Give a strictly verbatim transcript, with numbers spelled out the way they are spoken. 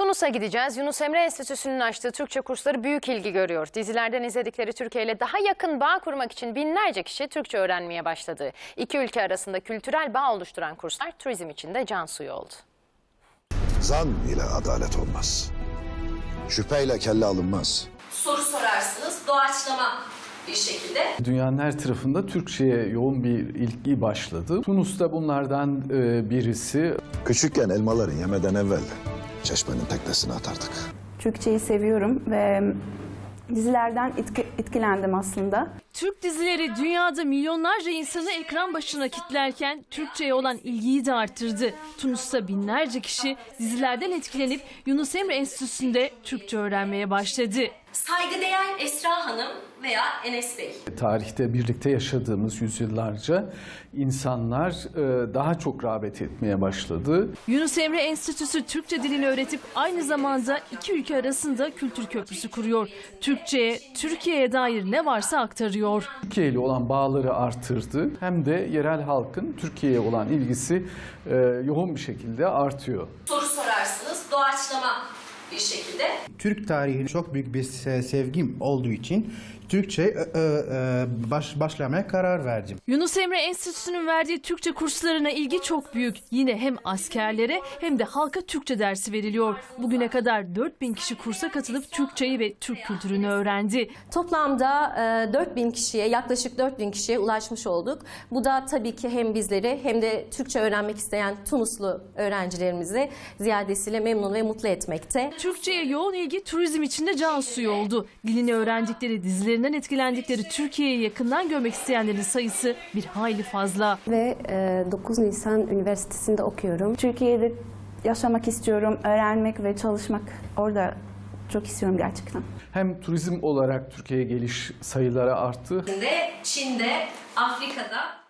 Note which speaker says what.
Speaker 1: Tunus'a gideceğiz. Yunus Emre Enstitüsü'nün açtığı Türkçe kursları büyük ilgi görüyor. Dizilerden izledikleri Türkiye ile daha yakın bağ kurmak için binlerce kişi Türkçe öğrenmeye başladı. İki ülke arasında kültürel bağ oluşturan kurslar turizm için de can suyu oldu.
Speaker 2: Zan ile adalet olmaz. Şüpheyle kelle alınmaz.
Speaker 3: Soru sorarsınız, doğaçlama bir şekilde.
Speaker 4: Dünyanın her tarafında Türkçe'ye yoğun bir ilgi başladı. Tunus'ta bunlardan birisi.
Speaker 2: Küçükken elmaları yemeden evvel çeşmenin teknesine atardık.
Speaker 5: Türkçeyi seviyorum ve dizilerden etki, etkilendim aslında.
Speaker 6: Türk dizileri dünyada milyonlarca insanı ekran başına kilitlerken Türkçe'ye olan ilgiyi de arttırdı. Tunus'ta binlerce kişi dizilerden etkilenip Yunus Emre Enstitüsü'nde Türkçe öğrenmeye başladı.
Speaker 3: Saygıdeğer Esra Hanım veya Enes Bey.
Speaker 4: Tarihte birlikte yaşadığımız yüzyıllarca insanlar daha çok rağbet etmeye başladı.
Speaker 6: Yunus Emre Enstitüsü Türkçe dilini öğretip aynı zamanda iki ülke arasında kültür köprüsü kuruyor. Türkçe'ye, Türkiye'ye dair ne varsa aktarıyor.
Speaker 4: Türkiye ile olan bağları artırdı. Hem de yerel halkın Türkiye'ye olan ilgisi yoğun bir şekilde artıyor.
Speaker 3: Soru sorarsınız, doğaçlama bir şekilde.
Speaker 7: Türk tarihine çok büyük bir sevgim olduğu için Türkçe baş, başlamaya karar verdim.
Speaker 6: Yunus Emre Enstitüsü'nün verdiği Türkçe kurslarına ilgi çok büyük. Yine hem askerlere hem de halka Türkçe dersi veriliyor. Bugüne kadar dört bin kişi kursa katılıp Türkçeyi ve Türk kültürünü öğrendi.
Speaker 8: Toplamda dört bin kişiye, yaklaşık dört bin kişiye ulaşmış olduk. Bu da tabii ki hem bizleri hem de Türkçe öğrenmek isteyen Tunuslu öğrencilerimizi ziyadesiyle memnun ve mutlu etmekte.
Speaker 6: Türkçe'ye yoğun ilgi turizm içinde can suyu oldu. Dilini öğrendikleri, dizilerinden etkilendikleri Türkiye'yi yakından görmek isteyenlerin sayısı bir hayli fazla.
Speaker 5: Ve dokuz Nisan Üniversitesi'nde okuyorum. Türkiye'de yaşamak istiyorum, öğrenmek ve çalışmak orada çok istiyorum gerçekten.
Speaker 4: Hem turizm olarak Türkiye'ye geliş sayıları arttı.
Speaker 3: Çin'de, Afrika'da